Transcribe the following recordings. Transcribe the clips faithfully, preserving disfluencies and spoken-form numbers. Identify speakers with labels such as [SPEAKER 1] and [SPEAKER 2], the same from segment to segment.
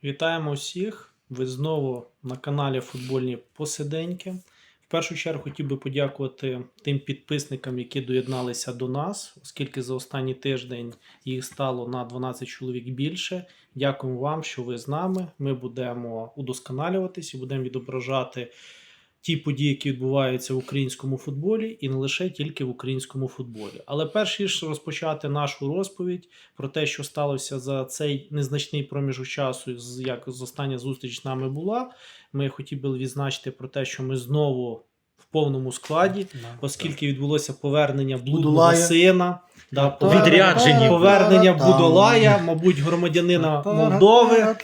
[SPEAKER 1] Вітаємо всіх! Ви знову на каналі Футбольні Посиденьки. В першу чергу хотів би подякувати тим підписникам, які доєдналися до нас, оскільки за останній тиждень їх стало на дванадцять чоловік більше. Дякуємо вам, що ви з нами. Ми будемо удосконалюватись і будемо відображати ті події, які відбуваються в українському футболі, і не лише тільки в українському футболі. Але перш ніж розпочати нашу розповідь про те, що сталося за цей незначний проміжок часу, як з остання зустріч з нами була, ми хотіли б відзначити про те, що ми знову в повному складі, оскільки відбулося повернення блудного сина, да,
[SPEAKER 2] відрядження,
[SPEAKER 1] повернення Будолая, мабуть, громадянина Молдови,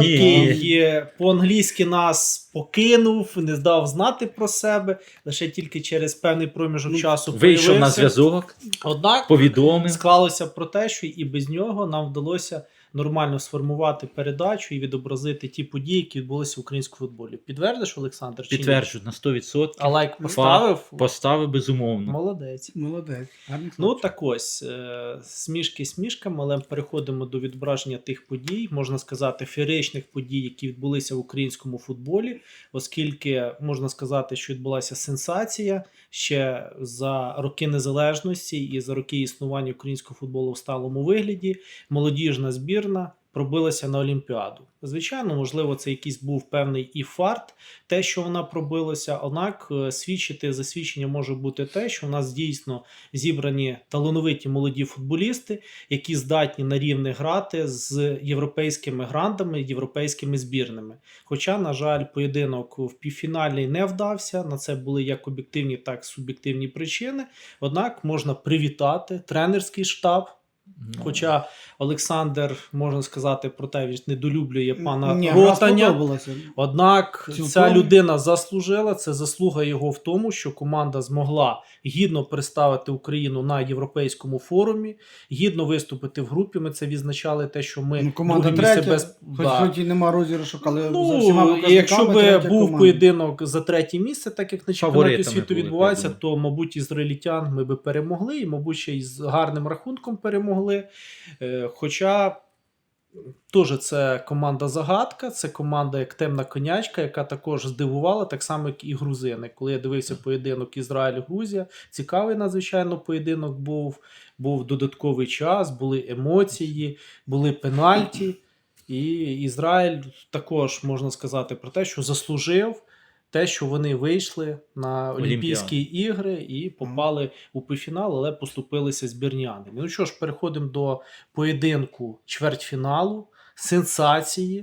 [SPEAKER 1] який по-англійськи нас покинув, не здав знати про себе, лише тільки через певний проміжок часу
[SPEAKER 2] вийшов
[SPEAKER 1] появився.
[SPEAKER 2] на зв'язок,
[SPEAKER 1] Однак
[SPEAKER 2] повідомив.
[SPEAKER 1] Склалося про те, що і без нього нам вдалося нормально сформувати передачу і відобразити ті події, які відбулися в українському футболі. Підтвердиш, Олександр? Чи ні?
[SPEAKER 2] Підтверджую на сто відсотків.
[SPEAKER 1] А лайк поставив?
[SPEAKER 2] Поставив, безумовно.
[SPEAKER 1] Молодець.
[SPEAKER 3] Молодець.
[SPEAKER 1] Ну так ось, е, смішки смішками, але переходимо до відображення тих подій, можна сказати, феєричних подій, які відбулися в українському футболі, оскільки можна сказати, що відбулася сенсація ще за роки незалежності і за роки існування українського футболу в сталому вигляді. Молодіжна збірна пробилася на Олімпіаду. Звичайно, можливо, це якийсь був певний і фарт, те, що вона пробилася, однак свідчити, засвідчення може бути те, що у нас дійсно зібрані талановиті молоді футболісти, які здатні на рівні грати з європейськими грандами, європейськими збірними. Хоча, на жаль, поєдинок в півфіналі не вдався, на це були як об'єктивні, так і суб'єктивні причини, однак можна привітати тренерський штаб. Хоча Олександр, можна сказати, про те, він недолюблює пана
[SPEAKER 3] Ні,
[SPEAKER 1] Ротаня. Однак
[SPEAKER 3] Цілком.
[SPEAKER 1] ця людина заслужила, це заслуга його в тому, що команда змогла гідно представити Україну на європейському форумі, гідно виступити в групі. Ми це відзначали, те, що ми
[SPEAKER 3] ну, команда
[SPEAKER 1] друге місце
[SPEAKER 3] третя,
[SPEAKER 1] без...
[SPEAKER 3] хоч,
[SPEAKER 1] да.
[SPEAKER 3] хоч і нема розіграшу, але
[SPEAKER 1] Ну,
[SPEAKER 3] за всіма показниками
[SPEAKER 1] якщо би
[SPEAKER 3] третя
[SPEAKER 1] був
[SPEAKER 3] команда.
[SPEAKER 1] поєдинок за третє місце, так як на чемпіонаті
[SPEAKER 2] Фаворитами
[SPEAKER 1] світу
[SPEAKER 2] були,
[SPEAKER 1] відбувається,
[SPEAKER 2] я
[SPEAKER 1] то, мабуть, ізраїльтян ми би перемогли, і, мабуть, ще й з гарним рахунком перемогли. Е, Хоча теж це команда-загадка, це команда як темна конячка, яка також здивувала, так само, як і грузини. Коли я дивився поєдинок Ізраїль-Грузія, цікавий надзвичайно поєдинок був, був додатковий час, були емоції, були пенальті. І Ізраїль також, можна сказати, про те, що заслужив те, що вони вийшли на Олімпійські ігри і попали mm. у півфінал, але поступилися збірнянами. Ну що ж, переходимо до поєдинку чвертьфіналу, сенсації.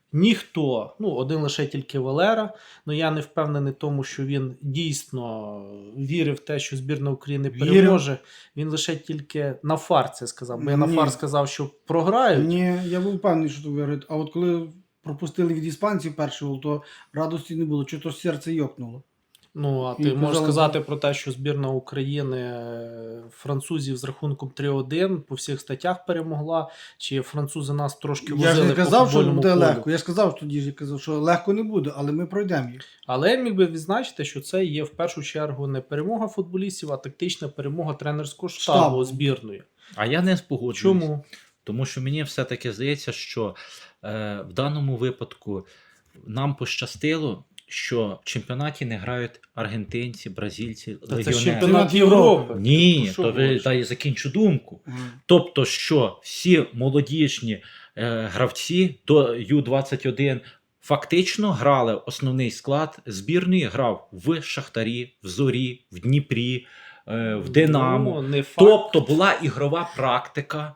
[SPEAKER 1] Ніхто, ну один лише тільки Валера, але я не впевнений в тому, що він дійсно вірив в те, що збірна України переможе. Він лише тільки на фар це сказав, бо я на
[SPEAKER 3] Ні.
[SPEAKER 1] фар сказав, що програють.
[SPEAKER 3] Ні, я був впевнений, що тут виграють. А от коли пропустили від іспанців перший гол, то радості не було, чого то серце йокнуло.
[SPEAKER 1] Ну, а ти
[SPEAKER 3] І
[SPEAKER 1] можеш
[SPEAKER 3] казали,
[SPEAKER 1] сказати про те, що збірна України французів з рахунком три один по всіх статтях перемогла, чи французи нас трошки возили по
[SPEAKER 3] Я ж не казав, що
[SPEAKER 1] футбольному
[SPEAKER 3] буде
[SPEAKER 1] полю?
[SPEAKER 3] легко. Я ж сказав тоді, я казав, що легко не буде, але ми пройдемо їх.
[SPEAKER 1] Але я міг би відзначити, що це є в першу чергу не перемога футболістів, а тактична перемога тренерського штабу,
[SPEAKER 3] Штабу.
[SPEAKER 1] збірної.
[SPEAKER 2] А я не спогоджуюсь.
[SPEAKER 1] Чому?
[SPEAKER 2] Тому що мені все-таки здається, що е, в даному випадку нам пощастило, що в чемпіонаті не грають аргентинці, бразильці,
[SPEAKER 1] Та це
[SPEAKER 2] легіонери.
[SPEAKER 1] ж чемпіонат Європи.
[SPEAKER 2] Ні,
[SPEAKER 1] Що
[SPEAKER 2] то ви
[SPEAKER 1] говориш?
[SPEAKER 2] дай закінчу думку.
[SPEAKER 3] Ага.
[SPEAKER 2] Тобто, що всі молодіжні е, гравці до ю двадцять один фактично грали основний склад збірної, грав в Шахтарі, в Зорі, в Дніпрі, е, в Динамо.
[SPEAKER 1] Ну, не факт.
[SPEAKER 2] Тобто була ігрова практика.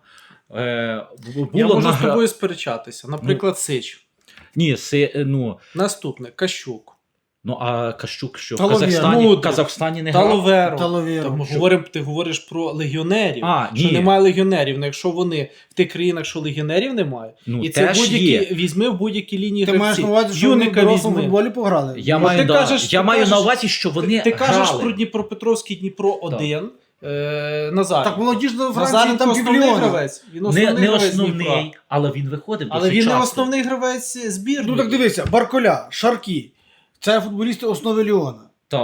[SPEAKER 2] Е, було
[SPEAKER 1] Я можу
[SPEAKER 2] награ...
[SPEAKER 1] з тобою сперечатися. Наприклад, Сич.
[SPEAKER 2] Ні, си, ну,
[SPEAKER 1] Наступне, Кащук.
[SPEAKER 2] ну а Кащук що в
[SPEAKER 3] Таловєр.
[SPEAKER 2] Казахстані,
[SPEAKER 1] Ну,
[SPEAKER 2] в Казахстані не грав?
[SPEAKER 1] Таловеро.
[SPEAKER 3] Таловєро.
[SPEAKER 1] Там,
[SPEAKER 3] Що?
[SPEAKER 1] говоримо, ти говориш про легіонерів,
[SPEAKER 2] А,
[SPEAKER 1] що
[SPEAKER 2] ні.
[SPEAKER 1] немає легіонерів. Ну, якщо вони в тих країнах, що легіонерів немає,
[SPEAKER 2] Ну,
[SPEAKER 1] і це
[SPEAKER 2] теж
[SPEAKER 1] будь-які,
[SPEAKER 2] є.
[SPEAKER 1] візьми в будь-якій лінії
[SPEAKER 3] Ти
[SPEAKER 1] гравці.
[SPEAKER 3] маєш на увазі, що вони в
[SPEAKER 1] Юника
[SPEAKER 3] дорослому
[SPEAKER 1] візьми.
[SPEAKER 3] футболі пограли?
[SPEAKER 2] Я,
[SPEAKER 1] Ну,
[SPEAKER 2] маю,
[SPEAKER 1] ти
[SPEAKER 2] да,
[SPEAKER 1] кажеш-
[SPEAKER 2] я
[SPEAKER 1] ти
[SPEAKER 2] маю
[SPEAKER 1] кажеш-
[SPEAKER 2] на увазі, що вони
[SPEAKER 1] Ти кажеш
[SPEAKER 2] грали.
[SPEAKER 1] про Дніпропетровський Дніпро один, е, Назар.
[SPEAKER 3] Так молодіжно Франції
[SPEAKER 1] Назаренко
[SPEAKER 3] там
[SPEAKER 1] основний
[SPEAKER 3] півмільйона.
[SPEAKER 1] гравець. Він
[SPEAKER 2] Не,
[SPEAKER 1] основний
[SPEAKER 2] не
[SPEAKER 1] гравець
[SPEAKER 2] основний,
[SPEAKER 1] Дніпра.
[SPEAKER 2] але він виходив
[SPEAKER 1] Але
[SPEAKER 2] досить
[SPEAKER 1] він не
[SPEAKER 2] часто.
[SPEAKER 1] основний гравець збірної.
[SPEAKER 3] Ну так дивися, Барколя, Шаркі. Це футболісти основи Ліона.
[SPEAKER 2] Та,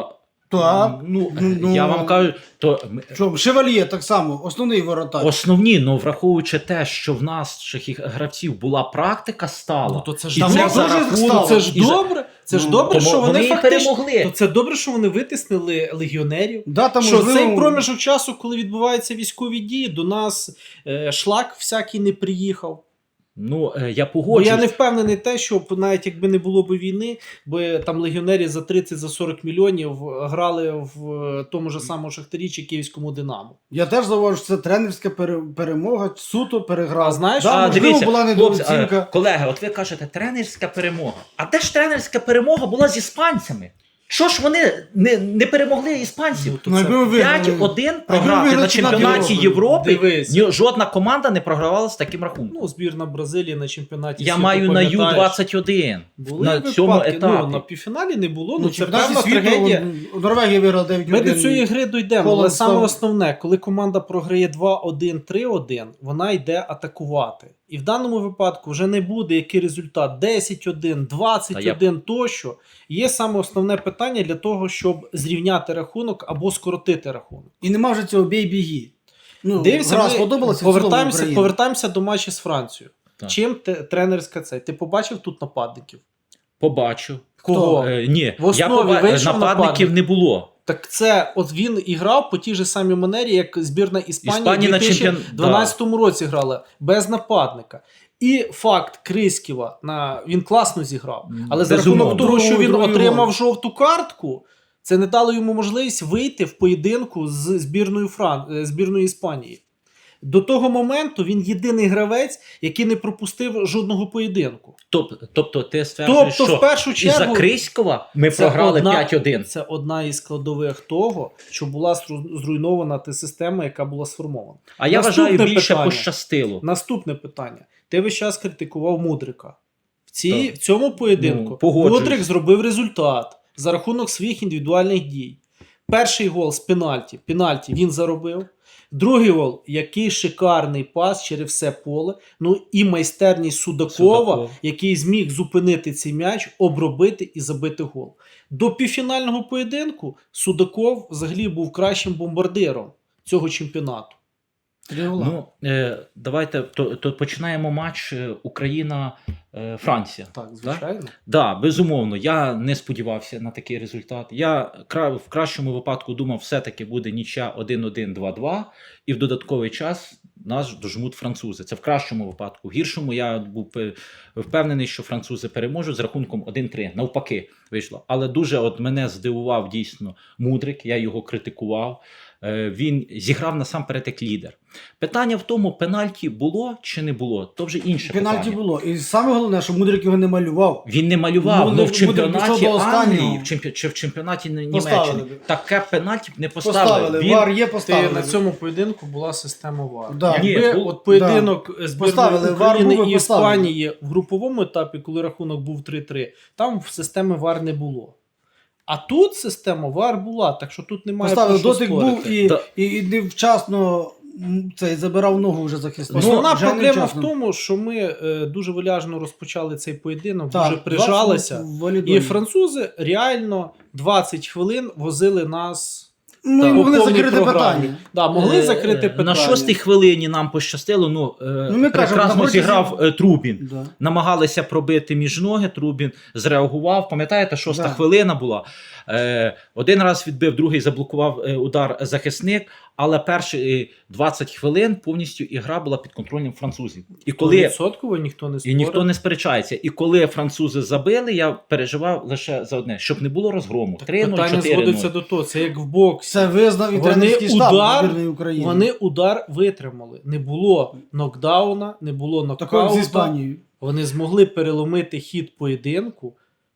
[SPEAKER 3] Так.
[SPEAKER 2] Ну,
[SPEAKER 3] Ну,
[SPEAKER 2] я вам кажу, то м-
[SPEAKER 3] Що, Шевальє так само, основний воротар.
[SPEAKER 2] основні, ну враховуючи те, що в наших гравців була практика стала,
[SPEAKER 1] Ну, то це ж
[SPEAKER 2] і
[SPEAKER 3] там
[SPEAKER 2] це
[SPEAKER 3] дуже
[SPEAKER 2] за
[SPEAKER 3] стало.
[SPEAKER 2] рахунок,
[SPEAKER 1] Це ж
[SPEAKER 2] і за-
[SPEAKER 1] добре. Це ж
[SPEAKER 3] Ну,
[SPEAKER 1] добре,
[SPEAKER 2] тому
[SPEAKER 1] що вони,
[SPEAKER 2] вони і
[SPEAKER 1] фактично
[SPEAKER 2] перемогли.
[SPEAKER 1] То це добре, що вони витиснили легіонерів.
[SPEAKER 3] Да, там,
[SPEAKER 1] Що
[SPEAKER 3] можливо,
[SPEAKER 1] цей проміжок часу, коли відбуваються військові дії, до нас е, шлак всякий не приїхав.
[SPEAKER 2] Ну, е, я
[SPEAKER 1] Бо
[SPEAKER 2] погоджуюсь.
[SPEAKER 1] я не впевнений те, що навіть якби не було б війни, бо там легіонери за тридцять сорок мільйонів грали в е, тому ж самому Шахтарі чи Київському Динамо.
[SPEAKER 3] Я теж зауважу, що це тренерська пере- перемога, суто переграв.
[SPEAKER 1] А знаєш,
[SPEAKER 3] да,
[SPEAKER 2] А,
[SPEAKER 3] можливо,
[SPEAKER 2] дивіться,
[SPEAKER 3] була
[SPEAKER 2] хлопці,
[SPEAKER 3] недооцінка.
[SPEAKER 2] е, колеги, от ви кажете, тренерська перемога. А де ж тренерська перемога була з іспанцями? Що ж вони не, не перемогли іспанців?
[SPEAKER 1] Ну, то
[SPEAKER 3] Ну,
[SPEAKER 1] це
[SPEAKER 3] якби ви виграли-
[SPEAKER 2] п'ять один
[SPEAKER 3] якби ви
[SPEAKER 2] програти
[SPEAKER 3] виграли
[SPEAKER 2] на чемпіонаті
[SPEAKER 3] чемпіонат
[SPEAKER 2] Європи.
[SPEAKER 1] Дивись.
[SPEAKER 2] Ні, жодна команда не програвала з таким рахунком.
[SPEAKER 1] Ну, збірна Бразилії на чемпіонаті
[SPEAKER 2] Я
[SPEAKER 1] світу,
[SPEAKER 2] маю на
[SPEAKER 1] пам'ятаєш,
[SPEAKER 2] Ю двадцять один.
[SPEAKER 1] були
[SPEAKER 2] на
[SPEAKER 1] випадки.
[SPEAKER 2] цьому
[SPEAKER 1] Ну,
[SPEAKER 2] етапі.
[SPEAKER 1] на півфіналі не було, ну,
[SPEAKER 3] Ну,
[SPEAKER 1] це
[SPEAKER 3] чемпіонаті
[SPEAKER 1] певна
[SPEAKER 3] світу,
[SPEAKER 1] трагедія.
[SPEAKER 3] он- Норвегія виграла дев'ять один.
[SPEAKER 1] Ми до цієї гри дійдемо, але
[SPEAKER 3] Холод
[SPEAKER 1] саме
[SPEAKER 3] став-
[SPEAKER 1] основне, коли команда програє два один, три один, вона йде атакувати. І в даному випадку вже не буде який результат десять один, двадцять один тощо. Є саме основне питання для того, щоб зрівняти рахунок або скоротити рахунок.
[SPEAKER 3] І нема вже цього бій-біги. Ну,
[SPEAKER 1] Дивіться,
[SPEAKER 3] гра
[SPEAKER 1] ми
[SPEAKER 3] сподобалася,
[SPEAKER 1] повертаємося, повертаємося до матчу з Францією.
[SPEAKER 2] Так.
[SPEAKER 1] Чим те- тренерська цей? Ти побачив тут нападників?
[SPEAKER 2] Побачу.
[SPEAKER 1] Кого?
[SPEAKER 2] Е, ні,
[SPEAKER 1] В основі
[SPEAKER 2] я поба...
[SPEAKER 1] вийшов
[SPEAKER 2] нападників
[SPEAKER 1] нападник.
[SPEAKER 2] не було.
[SPEAKER 1] Так це от він і грав по тій же самій манері, як збірна Іспанії
[SPEAKER 2] Іспанія
[SPEAKER 1] в
[SPEAKER 2] на
[SPEAKER 1] дві тисячі
[SPEAKER 2] чемпіон-
[SPEAKER 1] дванадцятому році грала без нападника. І факт Криськіва, на він класно зіграв. Але за
[SPEAKER 2] Безумовно.
[SPEAKER 1] рахунок того, що
[SPEAKER 3] Другий-
[SPEAKER 1] він
[SPEAKER 3] другий
[SPEAKER 1] отримав
[SPEAKER 3] гол.
[SPEAKER 1] жовту картку, це не дало йому можливість вийти в поєдинку з збірною Фран... е, збірною Іспанії. До того моменту він єдиний гравець, який не пропустив жодного поєдинку.
[SPEAKER 2] Тобто, тобто ти стверджуєш,
[SPEAKER 1] Тобто,
[SPEAKER 2] що
[SPEAKER 1] в першу
[SPEAKER 2] із-за
[SPEAKER 1] чергу,
[SPEAKER 2] Криськова ми
[SPEAKER 1] це
[SPEAKER 2] програли
[SPEAKER 1] одна-
[SPEAKER 2] п'ять один.
[SPEAKER 1] Це одна із складових того, що була стру- зруйнована та система, яка була сформована.
[SPEAKER 2] А я
[SPEAKER 1] Наступне
[SPEAKER 2] вважаю, більше
[SPEAKER 1] питання.
[SPEAKER 2] пощастило.
[SPEAKER 1] Наступне питання. Ти весь час критикував Мудрика. В, цій,
[SPEAKER 2] Так.
[SPEAKER 1] в цьому поєдинку
[SPEAKER 2] Ну, погоджуюсь.
[SPEAKER 1] Мудрик зробив результат за рахунок своїх індивідуальних дій. Перший гол з пенальті. Пенальті він заробив. Другий гол, який шикарний пас через все поле. Ну і майстерність Судакова,
[SPEAKER 2] Судаков.
[SPEAKER 1] який зміг зупинити цей м'яч, обробити і забити гол. До півфінального поєдинку Судаков взагалі був кращим бомбардиром цього чемпіонату.
[SPEAKER 3] Три гола.
[SPEAKER 2] Ну, е, давайте то, то починаємо матч е, Україна-Франція.
[SPEAKER 1] Так, звичайно.
[SPEAKER 2] Так, да, безумовно. Я не сподівався на такий результат. Я кра- в кращому випадку думав, все-таки буде нічия один один два два, і в додатковий час нас дожмуть французи. Це в кращому випадку. В гіршому я був пе- впевнений, що французи переможуть з рахунком один три. Навпаки, вийшло. Але дуже от мене здивував дійсно Мудрик, я його критикував. Е, Він зіграв насамперед як лідер. Питання в тому, пенальті було чи не було, то вже інше
[SPEAKER 3] Пенальті
[SPEAKER 2] питання.
[SPEAKER 3] було. І саме головне, що Мудрик його не малював.
[SPEAKER 2] Він не малював,
[SPEAKER 3] Ну,
[SPEAKER 2] але в
[SPEAKER 3] Мудрик
[SPEAKER 2] чемпіонаті
[SPEAKER 3] пішов до останнього.
[SPEAKER 2] Англії в чемпі... чи в чемпіонаті Німеччини
[SPEAKER 3] Поставили б.
[SPEAKER 2] таке пенальті б не поставили.
[SPEAKER 3] Поставили,
[SPEAKER 2] Він...
[SPEAKER 3] вар є,
[SPEAKER 1] Ти
[SPEAKER 3] поставили.
[SPEAKER 1] на цьому поєдинку була система ВАР.
[SPEAKER 3] Да.
[SPEAKER 1] Якби
[SPEAKER 2] Ні, був-
[SPEAKER 1] от поєдинок збірної
[SPEAKER 3] Поставили ВАР,
[SPEAKER 1] України
[SPEAKER 3] був і
[SPEAKER 1] і
[SPEAKER 3] поставили.
[SPEAKER 1] Іспанії в груповому етапі, коли рахунок був три три, там в системи ВАР не було. А тут система ВАР була, так що тут немає
[SPEAKER 3] Поставили,
[SPEAKER 1] про що
[SPEAKER 3] дотик
[SPEAKER 1] спорити.
[SPEAKER 3] був і,
[SPEAKER 2] Да.
[SPEAKER 3] і, і невчасно м, цей, забирав ногу вже захисник.
[SPEAKER 1] Основна
[SPEAKER 3] Ну, вже
[SPEAKER 1] проблема в
[SPEAKER 3] невчасно.
[SPEAKER 1] тому, що ми е, дуже виляжно розпочали цей поєдинок,
[SPEAKER 3] Так,
[SPEAKER 1] дуже прижалися.
[SPEAKER 3] двадцять в валідолі.
[SPEAKER 1] І французи реально двадцять хвилин возили нас.
[SPEAKER 3] Ну,
[SPEAKER 1] Так,
[SPEAKER 3] і могли
[SPEAKER 1] по повній
[SPEAKER 3] закрити
[SPEAKER 1] програмі.
[SPEAKER 3] питання.
[SPEAKER 1] Да, могли
[SPEAKER 2] Е,
[SPEAKER 1] закрити
[SPEAKER 2] е,
[SPEAKER 1] питання.
[SPEAKER 2] На шостій хвилині нам пощастило. Ну, е,
[SPEAKER 3] Ну, ми кажемо, на
[SPEAKER 2] прекрасно
[SPEAKER 3] протязі-
[SPEAKER 2] зіграв е, Трубін.
[SPEAKER 3] Да.
[SPEAKER 2] Намагалися пробити між ноги, Трубін зреагував. Пам'ятаєте, шоста
[SPEAKER 3] Да.
[SPEAKER 2] хвилина була. Е, один раз відбив, другий заблокував е, удар захисник, але перші е, двадцять хвилин повністю ігра була під контролем французів. І коли
[SPEAKER 1] Відсотково ніхто не
[SPEAKER 2] і
[SPEAKER 1] спорив.
[SPEAKER 2] ніхто не сперечається. І коли французи забили, я переживав лише за одне, щоб не було розгрому.
[SPEAKER 1] Так
[SPEAKER 2] три нуль,
[SPEAKER 1] питання
[SPEAKER 2] чотири
[SPEAKER 1] зводиться
[SPEAKER 2] нуль.
[SPEAKER 1] до того, це як в боксі.
[SPEAKER 3] Це визнав і
[SPEAKER 1] Вони
[SPEAKER 3] тренерський штаб
[SPEAKER 1] удар-
[SPEAKER 3] збірної України.
[SPEAKER 1] Вони удар витримали. Не було нокдауна, не було
[SPEAKER 3] Такого з
[SPEAKER 1] нокаута.
[SPEAKER 3] Іспанією.
[SPEAKER 1] Вони змогли переломити хід поєдинку,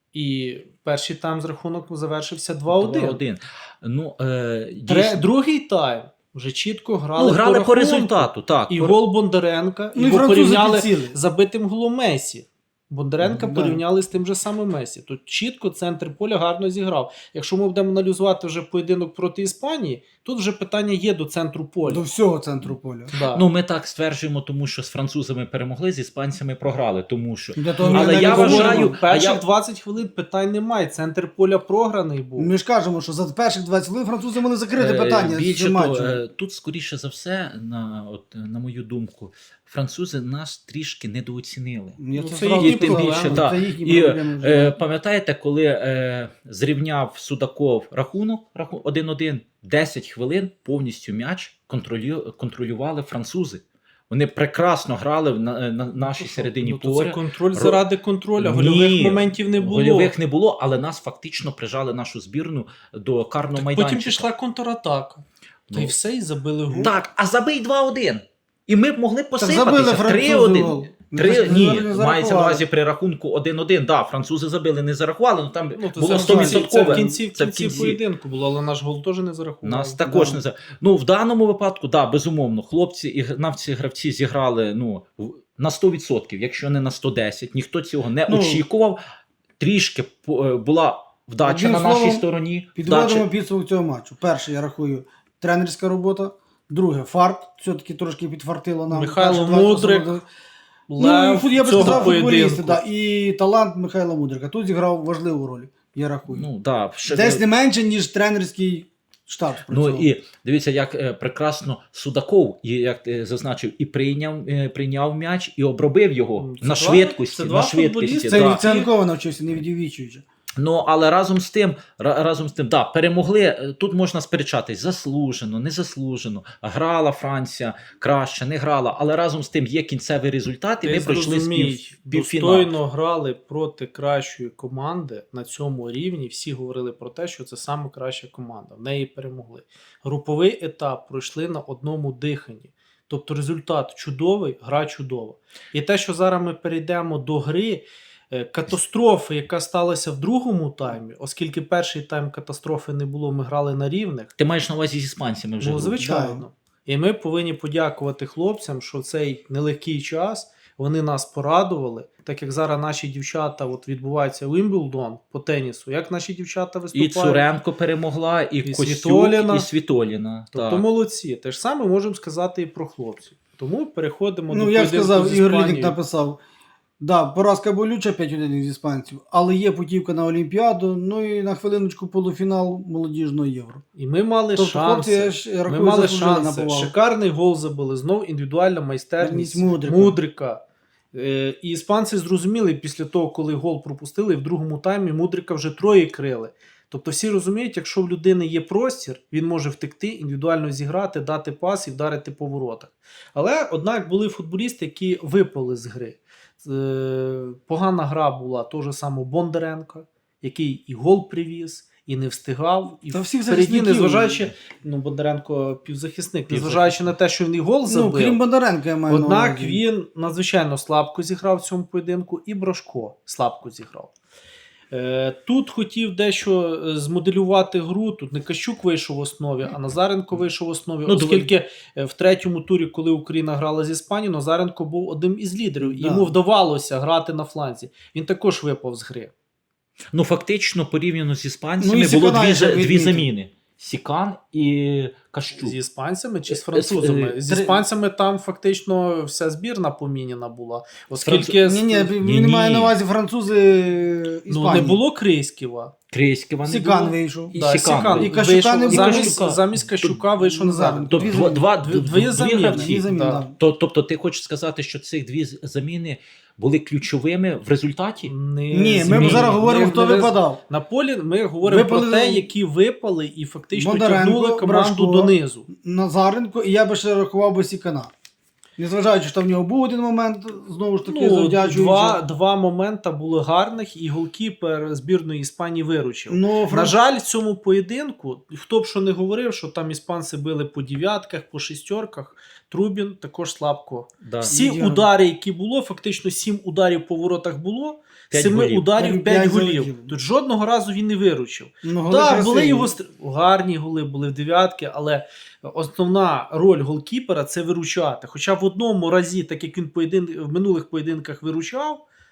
[SPEAKER 1] і перший тайм з рахунок завершився два один.
[SPEAKER 2] два один. Ну, е,
[SPEAKER 1] Тре-
[SPEAKER 2] дійсно,
[SPEAKER 1] Другий тайм вже чітко грали,
[SPEAKER 2] ну, грали по,
[SPEAKER 1] рахунку.
[SPEAKER 2] результату. Так,
[SPEAKER 1] І
[SPEAKER 2] по-
[SPEAKER 1] гол Бондаренка,
[SPEAKER 3] Ну, і
[SPEAKER 1] його
[SPEAKER 3] французи
[SPEAKER 1] порівняли
[SPEAKER 3] підсіли.
[SPEAKER 1] з забитим голом Месі. Бондаренка
[SPEAKER 3] Да.
[SPEAKER 1] порівняли з тим же самим Месі. Тут чітко центр поля гарно зіграв. Якщо ми будемо аналізувати вже поєдинок проти Іспанії, тут вже питання є до центру поля.
[SPEAKER 3] До всього центру поля.
[SPEAKER 1] Да.
[SPEAKER 2] Ну, ми так стверджуємо, тому що з французами перемогли, з іспанцями програли. Тому що
[SPEAKER 3] Для того,
[SPEAKER 2] Але
[SPEAKER 3] ми
[SPEAKER 2] я
[SPEAKER 3] не говоримо.
[SPEAKER 2] вважаю-
[SPEAKER 1] перших
[SPEAKER 2] а я-
[SPEAKER 1] двадцять хвилин питань немає. Центр поля програний був.
[SPEAKER 3] Ми ж кажемо, що за перших двадцять хвилин французи могли закрити
[SPEAKER 2] Е,
[SPEAKER 3] питання з
[SPEAKER 2] Більше
[SPEAKER 3] цим
[SPEAKER 2] того,
[SPEAKER 3] матчем.
[SPEAKER 2] е, тут, скоріше за все, на, от, на мою думку, французи нас трішки недооцінили.
[SPEAKER 3] Я
[SPEAKER 1] Ну,
[SPEAKER 3] це
[SPEAKER 1] це
[SPEAKER 3] зразу
[SPEAKER 1] їхні
[SPEAKER 3] сказав,
[SPEAKER 1] проблеми.
[SPEAKER 3] це
[SPEAKER 2] Та.
[SPEAKER 3] їхні
[SPEAKER 2] І,
[SPEAKER 3] проблеми вже.
[SPEAKER 2] Е, пам'ятаєте, коли е, зрівняв Судаков рахунок раху- один один, десять хвилин повністю м'яч контролю, контролювали французи. Вони прекрасно грали в на, на нашій
[SPEAKER 1] Ну, що?
[SPEAKER 2] середині
[SPEAKER 1] Ну, то
[SPEAKER 2] поля.
[SPEAKER 1] це контроль
[SPEAKER 2] Ро-
[SPEAKER 1] заради контроля.
[SPEAKER 2] Ні,
[SPEAKER 1] Гольових моментів не було.
[SPEAKER 2] Гольових не було, але нас фактично прижали нашу збірну до карного майданчика.
[SPEAKER 1] Потім пішла контратака. Та й
[SPEAKER 2] Ну,
[SPEAKER 1] все, і забили гол.
[SPEAKER 2] Так, а забий два один. І ми б могли
[SPEAKER 3] Так забили
[SPEAKER 2] посипатися.
[SPEAKER 3] французи
[SPEAKER 2] три один.
[SPEAKER 3] гол.
[SPEAKER 2] Три,
[SPEAKER 3] Не
[SPEAKER 2] ні,
[SPEAKER 3] зарахували.
[SPEAKER 2] мається на увазі при рахунку один один. Да, французи забили, не зарахували, ну там
[SPEAKER 1] Ну, то
[SPEAKER 2] було
[SPEAKER 1] це,
[SPEAKER 2] сто
[SPEAKER 1] в кінці,
[SPEAKER 2] відсотків.
[SPEAKER 1] це в кінці, в
[SPEAKER 2] Це в
[SPEAKER 1] кінці
[SPEAKER 2] кінці.
[SPEAKER 1] поєдинку було, але наш гол теж не зарахував.
[SPEAKER 2] Нас також
[SPEAKER 3] Да.
[SPEAKER 2] не за. Ну, в даному випадку, да, безумовно, хлопці і навці гравці зіграли ну, в- на сто відсотків, якщо не на сто десять. Ніхто цього не
[SPEAKER 3] Ну,
[SPEAKER 2] очікував. Трішки по- е, була вдача
[SPEAKER 3] одним
[SPEAKER 2] на нашій
[SPEAKER 3] словом,
[SPEAKER 2] стороні.
[SPEAKER 3] Підводимо
[SPEAKER 2] Вдача.
[SPEAKER 3] підсумок цього матчу. Перше, я рахую, тренерська робота. Друге, фарт. Все-таки трошки підфартило нам.
[SPEAKER 1] Михайло
[SPEAKER 3] Перші двадцять
[SPEAKER 1] Мудрик,
[SPEAKER 3] особливо.
[SPEAKER 1] Лев
[SPEAKER 3] Ну, і фут- я би
[SPEAKER 1] цього
[SPEAKER 3] сказав, футболісти,
[SPEAKER 1] поєдинку.
[SPEAKER 3] да. І талант Михайла Мудрика. Тут зіграв важливу роль, я рахую.
[SPEAKER 2] Ну, да, ще-
[SPEAKER 3] Десь не менше, ніж тренерський штаб.
[SPEAKER 2] Ну
[SPEAKER 3] спрацював.
[SPEAKER 2] і дивіться, як е, прекрасно Судаков, і як ти зазначив, і прийняв, е, прийняв м'яч, і обробив його
[SPEAKER 1] Ну, це
[SPEAKER 2] на
[SPEAKER 1] два-
[SPEAKER 2] швидкості.
[SPEAKER 1] це два
[SPEAKER 2] на швидкості
[SPEAKER 1] футболісти.
[SPEAKER 3] Це
[SPEAKER 2] да.
[SPEAKER 3] від Цянкова навчився, не від Євічовича.
[SPEAKER 2] Ну, але разом з тим, ра- разом з тим, да, перемогли. е, Тут можна сперечатись, заслужено, незаслужено. Грала Франція краще, не грала, але разом з тим є кінцевий результат, і
[SPEAKER 1] Ти
[SPEAKER 2] ми пройшли
[SPEAKER 1] зрозумій,
[SPEAKER 2] спів, півфінал.
[SPEAKER 1] достойно грали проти кращої команди на цьому рівні. Всі говорили про те, що це саме краща команда. В неї перемогли. Груповий етап пройшли на одному диханні. Тобто результат чудовий, гра чудова. І те, що зараз ми перейдемо до гри, е, катастрофи, яка сталася в другому таймі, оскільки перший тайм катастрофи не було, ми грали на рівних.
[SPEAKER 2] Ти маєш на увазі з іспанцями вже.
[SPEAKER 1] Ну,
[SPEAKER 2] гру?
[SPEAKER 1] звичайно. І ми повинні подякувати хлопцям, що в цей нелегкий час вони нас порадували, так як зараз наші дівчата, от відбувається Уімблдон по тенісу, як наші дівчата
[SPEAKER 2] І
[SPEAKER 1] виступають.
[SPEAKER 2] Цуренко перемогла, і,
[SPEAKER 1] І
[SPEAKER 2] Костюк,
[SPEAKER 1] Світоліна.
[SPEAKER 2] і Світоліна.
[SPEAKER 1] Тобто
[SPEAKER 2] так.
[SPEAKER 1] молодці. Те ж саме можемо сказати і про хлопців. Тому переходимо
[SPEAKER 3] Ну,
[SPEAKER 1] до
[SPEAKER 3] як
[SPEAKER 1] поєдинку
[SPEAKER 3] сказав,
[SPEAKER 1] з
[SPEAKER 3] Ігор
[SPEAKER 1] Іспанією.
[SPEAKER 3] Лідник написав, да, поразка болюча п'ять один з іспанців, але є путівка на Олімпіаду, ну і на хвилиночку полуфінал молодіжного Євро.
[SPEAKER 1] І ми мали
[SPEAKER 3] Тобто, хлопці, я
[SPEAKER 1] шанси.
[SPEAKER 3] ж рахую,
[SPEAKER 1] Ми мали
[SPEAKER 3] заслужили на
[SPEAKER 1] шанси.
[SPEAKER 3] повагу.
[SPEAKER 1] Шикарний гол забили. Знов індивідуальна майстерність
[SPEAKER 3] Мудрика.
[SPEAKER 1] Мудрика. Е, І іспанці зрозуміли після того, коли гол пропустили, в другому таймі Мудрика вже троє крили. Тобто всі розуміють, якщо в людини є простір, він може втекти, індивідуально зіграти, дати пас і вдарити по воротах. Але, однак, були футболісти, які випали з гри. Е, Погана гра була того самого Бондаренка, який і гол привіз, і не встигав, і
[SPEAKER 3] Та всіх
[SPEAKER 1] впереді,
[SPEAKER 3] захисників.
[SPEAKER 1] незважаючи, ну, Бондаренко півзахисник, незважаючи на те, що він і гол
[SPEAKER 3] Ну,
[SPEAKER 1] забив.
[SPEAKER 3] крім Бондаренка, я маю на
[SPEAKER 1] Однак
[SPEAKER 3] увазі.
[SPEAKER 1] він надзвичайно слабко зіграв в цьому поєдинку, і Брошко слабко зіграв. Е, Тут хотів дещо е, змоделювати гру. Тут не Кащук вийшов в основі, а Назаренко вийшов в основі.
[SPEAKER 2] Ну,
[SPEAKER 1] оскільки е, в третьому турі, коли Україна грала з Іспанією, Назаренко був одним із лідерів. І
[SPEAKER 3] Да.
[SPEAKER 1] йому вдавалося грати на фланзі. Він також випав з гри.
[SPEAKER 2] Ну, фактично, порівняно з іспанцями,
[SPEAKER 3] Ну, і
[SPEAKER 2] було
[SPEAKER 3] Сікана
[SPEAKER 2] дві,
[SPEAKER 3] я
[SPEAKER 2] за-
[SPEAKER 3] ще
[SPEAKER 2] дві
[SPEAKER 3] відмітив.
[SPEAKER 2] заміни. Сікан і Кащук.
[SPEAKER 1] З іспанцями чи з
[SPEAKER 2] Е,
[SPEAKER 1] французами?
[SPEAKER 2] е,
[SPEAKER 1] З
[SPEAKER 3] три-
[SPEAKER 1] іспанцями там фактично вся збірна поміняна була.
[SPEAKER 2] Француз-
[SPEAKER 1] Оскільки
[SPEAKER 3] Ні, ні, він
[SPEAKER 2] Ні-ні.
[SPEAKER 3] має на увазі французи Іспанії.
[SPEAKER 1] ну, не було Крейськіва.
[SPEAKER 2] Крейського не
[SPEAKER 3] Сікан
[SPEAKER 2] було.
[SPEAKER 3] вийшов.
[SPEAKER 2] І
[SPEAKER 1] Да,
[SPEAKER 2] Сікан.
[SPEAKER 1] Сікан
[SPEAKER 3] І Кащука
[SPEAKER 1] вийшов,
[SPEAKER 3] не було.
[SPEAKER 1] замість,
[SPEAKER 2] Кащука.
[SPEAKER 1] замість Кащука вийшов Назаренко.
[SPEAKER 2] Тобто
[SPEAKER 3] Дві-
[SPEAKER 2] два, два,
[SPEAKER 1] дві-
[SPEAKER 2] дві,
[SPEAKER 1] дві заміни.
[SPEAKER 2] гравці.
[SPEAKER 3] Дві заміни,
[SPEAKER 1] Да.
[SPEAKER 3] да.
[SPEAKER 2] То- Тобто ти хочеш сказати, що цих дві з- заміни були ключовими в результаті?
[SPEAKER 1] Не
[SPEAKER 3] Ні, ми
[SPEAKER 1] зміни.
[SPEAKER 3] зараз говоримо,
[SPEAKER 1] Не-
[SPEAKER 3] хто
[SPEAKER 1] не-
[SPEAKER 3] випадав.
[SPEAKER 1] На полі ми говоримо
[SPEAKER 3] Випали-
[SPEAKER 1] про те, які випали і фактично
[SPEAKER 3] Бондаренко,
[SPEAKER 1] тягнули команду
[SPEAKER 3] Бражко,
[SPEAKER 1] донизу.
[SPEAKER 3] Назаренко, і я би ще рахував би Сікана. Незважаючи, що в нього був один момент, знову ж таки,
[SPEAKER 1] Ну,
[SPEAKER 3] завдячуючи.
[SPEAKER 1] два, два моменти були гарних, і голкіпер збірної Іспанії виручив.
[SPEAKER 3] Ну,
[SPEAKER 1] На жаль, в цьому поєдинку, хто б що не говорив, що там іспанці били по дев'ятках, по шістерках, Трубін також слабко.
[SPEAKER 2] Да.
[SPEAKER 1] Всі
[SPEAKER 3] Ідеально.
[SPEAKER 1] удари, які було, фактично сім ударів по воротах було,
[SPEAKER 2] П'ять
[SPEAKER 1] семи
[SPEAKER 2] голів.
[SPEAKER 1] ударів,
[SPEAKER 3] П'ять
[SPEAKER 1] п'ять голів.
[SPEAKER 3] залетіло.
[SPEAKER 1] Тут жодного разу він не виручив.
[SPEAKER 3] ну, голи
[SPEAKER 1] Так,
[SPEAKER 3] красиві.
[SPEAKER 1] були його стр- гарні голи, були в дев'ятки, але основна роль голкіпера це виручати. Хоча в одному разі, так як він поєдин... в минулих поєдинках виручав,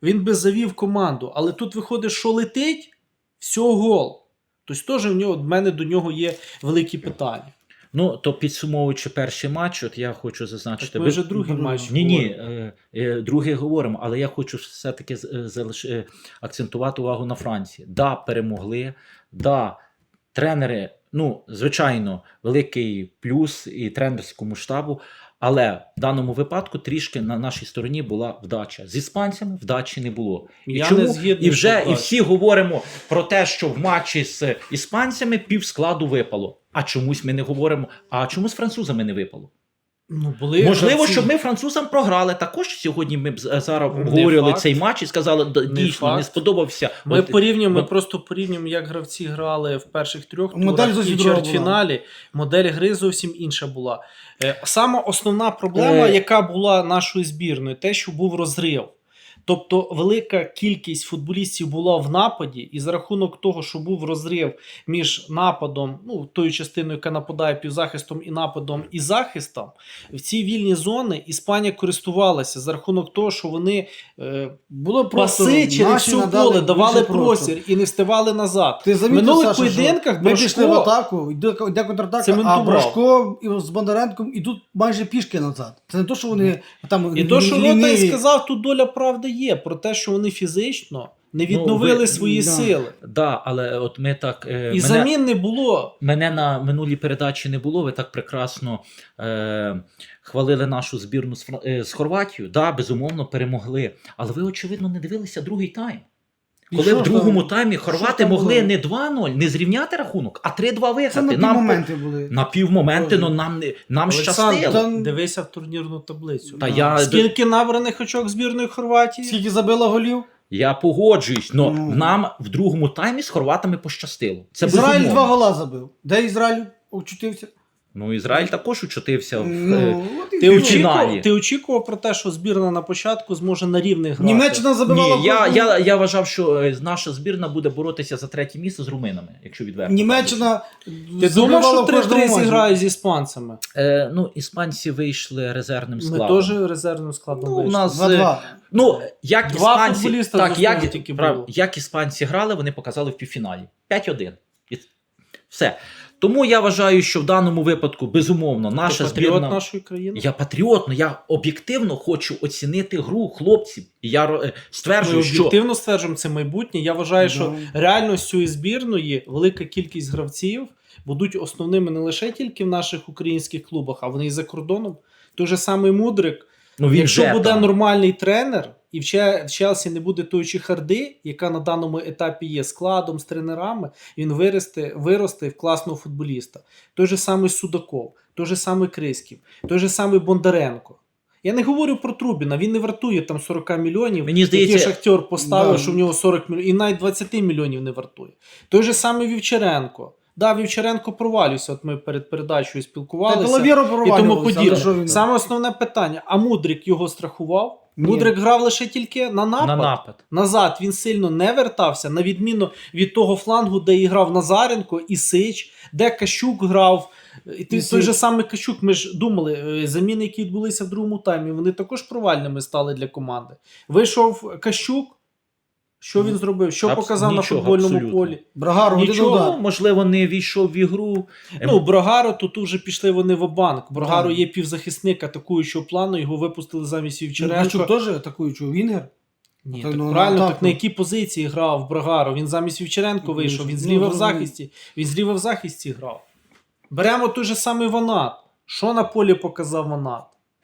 [SPEAKER 1] він би завів команду. Але тут виходить, що летить, все гол. Тобто теж в нього, в мене до нього є великі питання.
[SPEAKER 2] Ну, то підсумовуючи перший матч, от я хочу зазначити...
[SPEAKER 1] Так ми вже другий матч
[SPEAKER 2] Ні, ні,
[SPEAKER 1] говоримо.
[SPEAKER 2] е, е, другий говоримо, але я хочу все-таки з- е, залиш... е, акцентувати увагу на Франції. Да, перемогли, да, тренери, ну, звичайно, великий плюс і тренерському штабу, але в даному випадку трішки на нашій стороні була вдача. З іспанцями вдачі не було. І,
[SPEAKER 1] Я
[SPEAKER 2] чому?
[SPEAKER 1] не згідний,
[SPEAKER 2] і вже
[SPEAKER 1] що
[SPEAKER 2] і
[SPEAKER 1] вдачі.
[SPEAKER 2] всі говоримо про те, що в матчі з іспанцями пів складу випало. А чомусь ми не говоримо, а чому з французами не випало?
[SPEAKER 1] Ну, були
[SPEAKER 2] Можливо,
[SPEAKER 1] гравці.
[SPEAKER 2] щоб ми французам програли. Також сьогодні ми б з- зараз
[SPEAKER 1] Не
[SPEAKER 2] обговорювали
[SPEAKER 1] факт.
[SPEAKER 2] цей матч і сказали, «Да,
[SPEAKER 1] Не
[SPEAKER 2] дійсно, не
[SPEAKER 1] факт.
[SPEAKER 2] сподобався.
[SPEAKER 1] Ми
[SPEAKER 2] От,
[SPEAKER 1] порівнюємо, ми
[SPEAKER 2] от-
[SPEAKER 1] просто порівнюємо, як гравці грали в перших трьох
[SPEAKER 3] Модель
[SPEAKER 1] турах і
[SPEAKER 3] зовсім
[SPEAKER 1] в
[SPEAKER 3] друга
[SPEAKER 1] чвертьфіналі. Модель гри зовсім інша була. Е, Сама основна проблема,
[SPEAKER 2] Е.
[SPEAKER 1] яка була нашою збірною, те, що був розрив. Тобто велика кількість футболістів була в нападі, і за рахунок того, що був розрив між нападом, ну тою частиною, яка нападає півзахистом і нападом і захистом, в ці вільні зони Іспанія користувалася за рахунок того, що вони е,
[SPEAKER 3] Було просто
[SPEAKER 1] паси через
[SPEAKER 3] наші
[SPEAKER 1] всю
[SPEAKER 3] надали
[SPEAKER 1] поле давали
[SPEAKER 3] більше
[SPEAKER 1] простір і не вставали назад.
[SPEAKER 3] Ти
[SPEAKER 1] В
[SPEAKER 3] замітив,
[SPEAKER 1] минулих
[SPEAKER 3] Саша, що
[SPEAKER 1] поєдинках
[SPEAKER 3] ми пішли в
[SPEAKER 1] Брошко-
[SPEAKER 3] атаку, йде, йде контратака, а
[SPEAKER 1] Цементував.
[SPEAKER 3] Брошко і з Бондаренком ідуть майже пішки назад. Це не то, що вони там
[SPEAKER 1] І то, що Рота
[SPEAKER 3] ліниві.
[SPEAKER 1] і сказав, тут доля правди є про те, що вони фізично не відновили
[SPEAKER 2] ви-
[SPEAKER 1] свої
[SPEAKER 3] да.
[SPEAKER 1] сили.
[SPEAKER 2] Да, але от ми так... е,
[SPEAKER 1] І
[SPEAKER 2] мене,
[SPEAKER 1] замін не було.
[SPEAKER 2] мене на минулій передачі не було, ви так прекрасно е, хвалили нашу збірну з, Фра- е, з Хорватією. Да, безумовно, перемогли. Але ви, очевидно, не дивилися другий тайм.
[SPEAKER 3] І
[SPEAKER 2] Коли
[SPEAKER 3] що
[SPEAKER 2] в
[SPEAKER 3] ж
[SPEAKER 2] другому
[SPEAKER 3] там?
[SPEAKER 2] таймі
[SPEAKER 3] Що
[SPEAKER 2] хорвати
[SPEAKER 3] там
[SPEAKER 2] могли
[SPEAKER 3] було?
[SPEAKER 2] не два-нуль, не зрівняти рахунок, а три-два
[SPEAKER 3] Це
[SPEAKER 2] виграти.
[SPEAKER 3] на ті
[SPEAKER 2] Нам,
[SPEAKER 3] моменти були.
[SPEAKER 2] на півмоменти,
[SPEAKER 3] Боже.
[SPEAKER 2] ну нам, не- нам
[SPEAKER 1] Олександр,
[SPEAKER 2] щастило.
[SPEAKER 3] Та-
[SPEAKER 1] дивися в турнірну таблицю.
[SPEAKER 2] Та
[SPEAKER 3] Да.
[SPEAKER 2] я,
[SPEAKER 1] Скільки набраних очок збірної Хорватії?
[SPEAKER 3] Скільки забило голів?
[SPEAKER 2] я погоджуюсь, але
[SPEAKER 3] Ну.
[SPEAKER 2] нам в другому таймі з хорватами пощастило. Це
[SPEAKER 3] Ізраїль
[SPEAKER 2] безумовно.
[SPEAKER 3] два гола забив. Де Ізраїль очутився?
[SPEAKER 2] Ну, Ізраїль також учутився в, е,
[SPEAKER 3] Ну, от і
[SPEAKER 1] Ти
[SPEAKER 3] все.
[SPEAKER 2] очі-
[SPEAKER 1] очікував, ти очікував про те, що збірна на початку зможе на рівних грати?
[SPEAKER 3] Німеччина забивала.
[SPEAKER 2] Ні, я,
[SPEAKER 3] кожного-
[SPEAKER 2] я, я вважав, що е, наша збірна буде боротися за третє місце з руминами, якщо відверто.
[SPEAKER 3] Німеччина
[SPEAKER 1] Ти
[SPEAKER 3] забивала
[SPEAKER 1] думав, що
[SPEAKER 3] в кожному
[SPEAKER 1] три-три
[SPEAKER 3] матчі.
[SPEAKER 1] зіграють з іспанцями?
[SPEAKER 2] Е, ну, іспанці вийшли резервним
[SPEAKER 1] Ми
[SPEAKER 2] складом.
[SPEAKER 1] теж резервним складом
[SPEAKER 2] Ну, у
[SPEAKER 1] вийшли.
[SPEAKER 2] нас,
[SPEAKER 3] два-два.
[SPEAKER 2] Ну, як
[SPEAKER 1] Два
[SPEAKER 2] іспанці,
[SPEAKER 1] футболіста
[SPEAKER 2] так,
[SPEAKER 1] з
[SPEAKER 2] як,
[SPEAKER 1] основи тільки
[SPEAKER 2] прав-
[SPEAKER 1] було.
[SPEAKER 2] як іспанці грали, вони показали в півфіналі. п'ять-один. І все. Тому я вважаю, що в даному випадку, безумовно,
[SPEAKER 1] Ти
[SPEAKER 2] наша
[SPEAKER 1] патріот
[SPEAKER 2] збірна...
[SPEAKER 1] нашої країни?
[SPEAKER 2] Я патріотно, я об'єктивно хочу оцінити гру хлопців. І я е,
[SPEAKER 1] Ми
[SPEAKER 2] стверджую, що
[SPEAKER 1] об'єктивно стверджуємо, це майбутнє. Я вважаю, що
[SPEAKER 3] Да.
[SPEAKER 1] реально з цієї збірної велика кількість гравців будуть основними не лише тільки в наших українських клубах, а вони і за кордоном. Той же самий Мудрик.
[SPEAKER 2] ну, він
[SPEAKER 1] Якщо
[SPEAKER 2] вже
[SPEAKER 1] буде
[SPEAKER 2] там.
[SPEAKER 1] нормальний тренер, і в Че- в Челсі не буде тої чехарди, яка на даному етапі є складом, з тренерами, він виросте, виросте в класного футболіста. Той же самий Судаков, той же самий Криськів, той же самий Бондаренко. Я не говорю про Трубіна, він не вартує там сорок мільйонів.
[SPEAKER 2] Мені
[SPEAKER 1] Який
[SPEAKER 2] здається,
[SPEAKER 1] Шахтер поставив,
[SPEAKER 3] Да.
[SPEAKER 1] що в нього сорок мільйонів, і навіть двадцять мільйонів не вартує. Той же самий Вівчаренко. Да, Вівчаренко провалювався, от ми перед передачею
[SPEAKER 3] Та
[SPEAKER 1] спілкувалися.
[SPEAKER 3] Головєро
[SPEAKER 1] І тому
[SPEAKER 3] провалювався,
[SPEAKER 1] подібне.
[SPEAKER 3] але що він-
[SPEAKER 1] Саме основне питання: а Мудрик його страхував?
[SPEAKER 3] Ні.
[SPEAKER 1] Мудрик грав лише тільки на напад.
[SPEAKER 2] на напад.
[SPEAKER 1] Назад він сильно не вертався, на відміну від того флангу, де і грав Назаренко і Сич, де Кащук грав. І той,
[SPEAKER 3] І
[SPEAKER 1] той же
[SPEAKER 3] Сич.
[SPEAKER 1] самий Кащук, ми ж думали, е, заміни, які відбулися в другому таймі, вони також провальними стали для команди. Вийшов Кащук. Що він зробив? Що
[SPEAKER 2] Абс-
[SPEAKER 1] показав на
[SPEAKER 2] нічого,
[SPEAKER 1] футбольному
[SPEAKER 2] абсолютно.
[SPEAKER 1] полі?
[SPEAKER 3] Брагар, один
[SPEAKER 1] Нічого.
[SPEAKER 3] удар.
[SPEAKER 2] Ну, можливо, не війшов в ігру.
[SPEAKER 1] Ну, Брогаро, тут вже пішли вони в банк. Брогаро
[SPEAKER 3] Так.
[SPEAKER 1] є півзахисник атакуючого плану, його випустили замість Вівчаренка.
[SPEAKER 3] Гачук теж атакуючий Вінгер.
[SPEAKER 1] Ні,
[SPEAKER 3] Так,
[SPEAKER 1] так
[SPEAKER 3] ну,
[SPEAKER 1] правильно,
[SPEAKER 3] так,
[SPEAKER 1] так
[SPEAKER 3] ну.
[SPEAKER 1] на якій позиції грав Брагаро? Він замість Вівчаренко
[SPEAKER 3] Ну,
[SPEAKER 1] вийшов, він
[SPEAKER 3] ну,
[SPEAKER 1] зліва в
[SPEAKER 3] ну,
[SPEAKER 1] захисті. Він зліва в захисті грав. Беремо той же самий Ванат. Що на полі показав Ванат?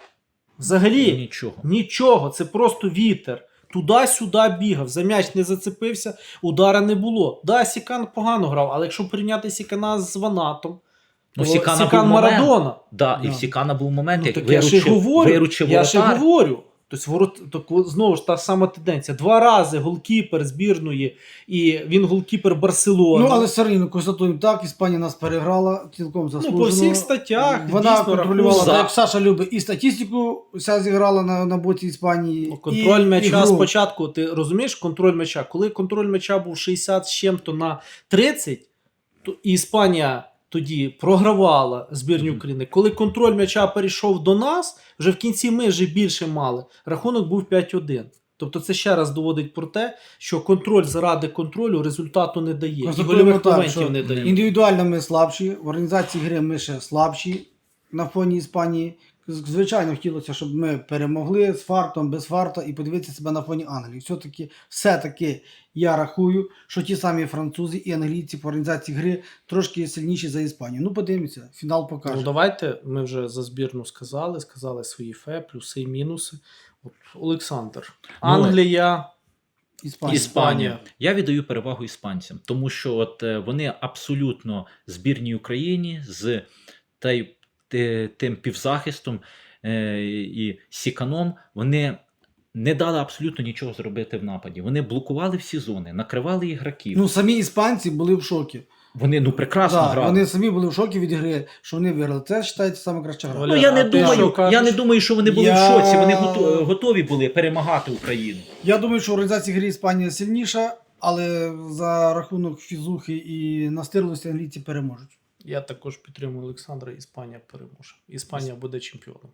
[SPEAKER 1] Взагалі
[SPEAKER 2] Нічого.
[SPEAKER 1] нічого, це просто вітер. Туди-сюди бігав, за м'яч не зацепився, удара не було. Да, Сікан погано грав, але якщо порівняти Сікана з Ванатом,
[SPEAKER 2] Ну,
[SPEAKER 1] то
[SPEAKER 2] Сікана
[SPEAKER 1] Сікан
[SPEAKER 2] був момент.
[SPEAKER 1] Марадона.
[SPEAKER 2] Да, і
[SPEAKER 3] Да.
[SPEAKER 2] в Сікана був момент,
[SPEAKER 1] Ну,
[SPEAKER 2] як
[SPEAKER 1] так я ж і
[SPEAKER 2] виручив,
[SPEAKER 1] говорю,
[SPEAKER 2] виручив
[SPEAKER 1] я ж і
[SPEAKER 2] воротар.
[SPEAKER 1] говорю. Тобто, ворот, так, от знову ж та сама тенденція. Два рази голкіпер збірної, і він голкіпер Барселони.
[SPEAKER 3] Ну, але все рівно констатуємо так, Іспанія нас переграла цілком заслужено.
[SPEAKER 1] Ну, по всіх статтях
[SPEAKER 3] Вона
[SPEAKER 1] дійсно
[SPEAKER 3] контролювала,
[SPEAKER 1] рахунок.
[SPEAKER 3] так як Саша любить, і статистику вся зіграла на, на боці Іспанії.
[SPEAKER 1] Ну, контроль
[SPEAKER 3] і,
[SPEAKER 1] м'яча
[SPEAKER 3] і гру.
[SPEAKER 1] спочатку, ти розумієш, контроль м'яча. Коли контроль м'яча був шістдесят з чим-то на тридцять, то і Іспанія тоді програвала збірні
[SPEAKER 2] Мгм.
[SPEAKER 1] України. Коли контроль м'яча перейшов до нас, вже в кінці ми вже більше мали. Рахунок був п'ять один. Тобто це ще раз доводить про те, що контроль заради контролю результату не дає. І
[SPEAKER 3] Констатуємо
[SPEAKER 1] гольових
[SPEAKER 3] так,
[SPEAKER 1] моментів
[SPEAKER 3] що
[SPEAKER 1] не дає.
[SPEAKER 3] Індивідуально ми слабші, в організації гри ми ще слабші на фоні Іспанії. Звичайно, хотілося, щоб ми перемогли з фартом, без фарта і подивитися себе на фоні Англії. Все-таки, все-таки я рахую, що ті самі французи і англійці по організації гри трошки сильніші за Іспанію. Ну, подивимося, фінал покаже.
[SPEAKER 1] Ну, давайте, ми вже за збірну сказали, сказали свої фе, плюси і мінуси. От, Олександр, Англія,
[SPEAKER 3] Іспанія.
[SPEAKER 1] Іспанія.
[SPEAKER 2] Я віддаю перевагу іспанцям, тому що от е, вони абсолютно збірній Україні з той, те- тим півзахистом е, і сіканом, вони не дали абсолютно нічого зробити в нападі. Вони блокували всі зони, накривали ігроків.
[SPEAKER 3] Ну, самі іспанці були в шокі.
[SPEAKER 2] Вони ну прекрасно
[SPEAKER 3] Да,
[SPEAKER 2] грали.
[SPEAKER 3] вони самі були в шокі від гри, що вони виграли. Це вважається саме краща гра.
[SPEAKER 1] Валя,
[SPEAKER 2] Ну, я не
[SPEAKER 1] а ти
[SPEAKER 2] думаю,
[SPEAKER 1] що кажеш?
[SPEAKER 2] я не думаю, що вони були
[SPEAKER 3] Я-
[SPEAKER 2] в шоці. Вони гото- готові були перемагати Україну.
[SPEAKER 3] Я думаю, що в організації гри Іспанія сильніша, але за рахунок фізухи і настирливості англійці переможуть.
[SPEAKER 1] Я також підтримую Олександра, Іспанія переможе. Іспанія буде чемпіоном.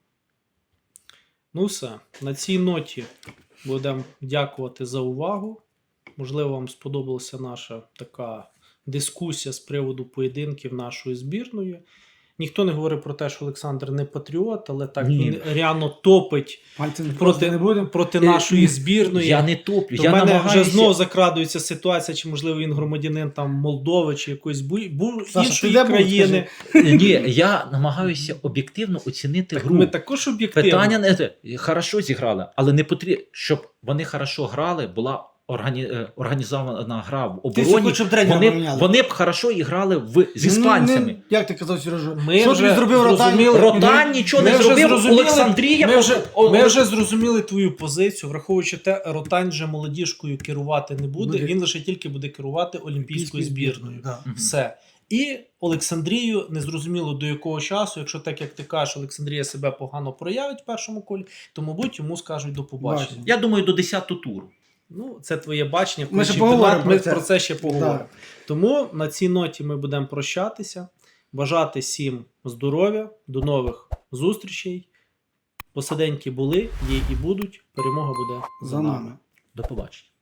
[SPEAKER 1] Ну все, на цій ноті будемо дякувати за увагу. Можливо, вам сподобалася наша така дискусія з приводу поєдинків нашої збірної. Ніхто не говорить про те, що Олександр не патріот, але так
[SPEAKER 2] Ні.
[SPEAKER 1] він реально топить
[SPEAKER 3] Пальцем
[SPEAKER 1] проти,
[SPEAKER 3] проти не будемо.
[SPEAKER 1] проти нашої збірної.
[SPEAKER 2] Я не топлю,
[SPEAKER 1] То
[SPEAKER 2] я
[SPEAKER 1] в мене
[SPEAKER 2] намагаюся...
[SPEAKER 1] вже знов закрадується ситуація, чи можливо він громадянин там Молдови чи якоїсь бу... бу...
[SPEAKER 3] Саша,
[SPEAKER 1] іншої
[SPEAKER 3] ти де був,
[SPEAKER 1] країни.
[SPEAKER 2] Ні, я намагаюся об'єктивно оцінити
[SPEAKER 1] Так
[SPEAKER 2] гру.
[SPEAKER 1] ми також об'єктивно.
[SPEAKER 2] Питання не те. Хорошо зіграли, але не потрібно, щоб вони хорошо грали, була органі... е, організована гра в
[SPEAKER 3] Ти ще
[SPEAKER 2] обороні.
[SPEAKER 3] хочеш, щоб тренера
[SPEAKER 2] Вони,
[SPEAKER 3] поміняли.
[SPEAKER 2] вони б хорошо і грали в... з іспанцями.
[SPEAKER 3] Ну, не- як ти казав, Сережа?
[SPEAKER 1] Ми
[SPEAKER 3] що
[SPEAKER 1] вже
[SPEAKER 3] ти зробив Ротань?
[SPEAKER 1] зрозуміли-
[SPEAKER 2] Ротань нічого
[SPEAKER 1] Ми
[SPEAKER 2] не
[SPEAKER 1] вже
[SPEAKER 2] зробив,
[SPEAKER 1] зрозуміли-
[SPEAKER 2] Олександрія...
[SPEAKER 1] Ми вже,
[SPEAKER 2] О-
[SPEAKER 1] ми
[SPEAKER 2] о-
[SPEAKER 1] вже зрозуміли твою позицію, враховуючи те, Ротань вже молодіжкою керувати не буде,
[SPEAKER 3] Буде.
[SPEAKER 1] він лише тільки буде керувати олімпійською збірною.
[SPEAKER 3] Да.
[SPEAKER 2] Мгм.
[SPEAKER 1] Все. І Олександрію незрозуміло до якого часу, якщо так як ти кажеш, Олександрія себе погано проявить в першому колі, то, мабуть, йому скажуть до побачення.
[SPEAKER 3] Бачимо.
[SPEAKER 2] Я думаю, до десятого туру.
[SPEAKER 1] Ну, це твоє бачення,
[SPEAKER 3] Ми
[SPEAKER 1] коли
[SPEAKER 3] ще
[SPEAKER 1] чемпіонат,
[SPEAKER 3] поговоримо
[SPEAKER 1] ми
[SPEAKER 3] про це.
[SPEAKER 1] про це ще поговоримо.
[SPEAKER 3] Да.
[SPEAKER 1] Тому на цій ноті ми будемо прощатися. Бажати всім здоров'я, до нових зустрічей. Посиденьки були, є і будуть. Перемога буде
[SPEAKER 3] За нами.
[SPEAKER 2] До побачення.